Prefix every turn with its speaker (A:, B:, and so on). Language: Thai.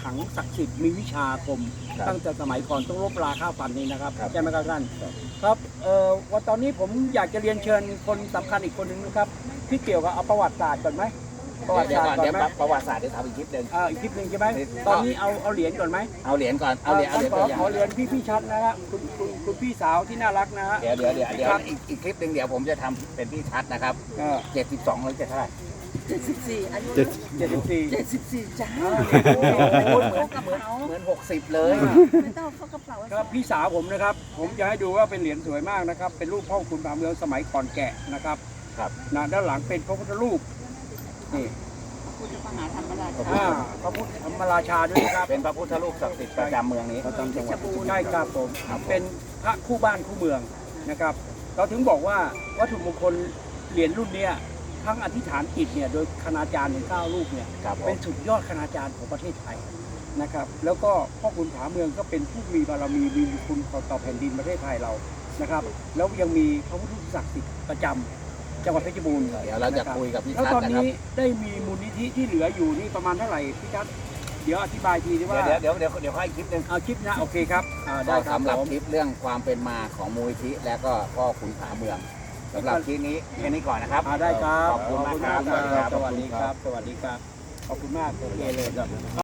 A: ขังศักดิ์สิทธิ์มีวิชาอาคมตั้งแต่สมัยก่อนต้องลบราฆ่าฟันนี่นะครับใช่ไหมครับท่านครับวันตอนนี้ผมอยากจะเรียนเชิญคนสำคัญอีกคนหนึ่งนะครับที่เกี่ยวกับเอาประวัติศาสตร์ก่อนไหมประวัติศาสตร์ก่อนไหม
B: ประวัติศาสตร์เดี๋ยวทำอีกคลิปหนึ่ง
A: อีกคลิปหนึ่งใช่ไหมตอนนี้เอาเหรียญก่อนไหม
B: เอาเหรียญก่อนเอาเหรียญ
A: ขอเหรียญพี่ชัดนะครับคุณพี่สาวที่น่ารักนะฮะ
B: เดี๋ยวอีกคลิปหนึ่งเดี๋ยวผมจะทำเป็นพี่ชัดนะครับ72หรือเท่าไหร่
C: 74อายุ74จ้า
B: เหมือน60เลย
C: ไม่ต้องเข้ากระเป๋า
A: ครับพี่สาวผมนะครับผมจะให้ดูว่าเป็นเหรียญสวยมากนะครับเป็นรูปพ่อคุณผาเมืองสมัยก่อนแกะนะครับนะด้านหลังเป็นพระพุทธรูปนี่
C: พุทธมหาธรรมราช
A: พระพุทธธรรมราชาด้วยครับ
B: เป็นพระพุทธรูปศักดิ์สิทธิ์ประจำเมืองนี้
A: ประจำจังหวัดใช่ครับผมเป็นพระคู่บ้านคู่เมืองนะครับเราถึงบอกว่าวัตถุมงคลเหรียญรุ่นนี้ทั้งอธิษฐานจิตเนี่ยโดยคณาจารย์ถึง9รูปเนี่ยเป็นสุดยอดคณาจารย์ของประเทศไทยนะครับแล้วก็พ่อคุณผาเมืองก็เป็นผู้มีบารมีมีคุณต่อแผ่นดินประเทศไทยเรานะครับแล้วยังมีพระพุทธรูปศักดิ์สิทธิ์ประจำจังหวัดเพชรบูรณ์
B: เดี๋ยวเราจะคุยกับพี่ชัด
A: แล้วตอนนี้ได้มีมูลนิธิที่เหลืออยู่นี่ประมาณเท่าไหร่พี่ชัดเดี๋ยวอธิบายทีว่า
B: เดี๋ยวค่อยคลิปหนึ่ง
A: เอาคลิปนะโอเคครับ
B: ได้สำหรับคลิปเรื่องความเป็นมาของมูลนิธิและก็พ่อขุนผาเมืองสำหรับคลิปนี้แค่นี้ก่อนนะครับ
A: ได้ครับ
B: ขอบคุณมากครับ
A: สวัสดีครับสวัสดีครับขอบคุณมากโอเคเลยครับ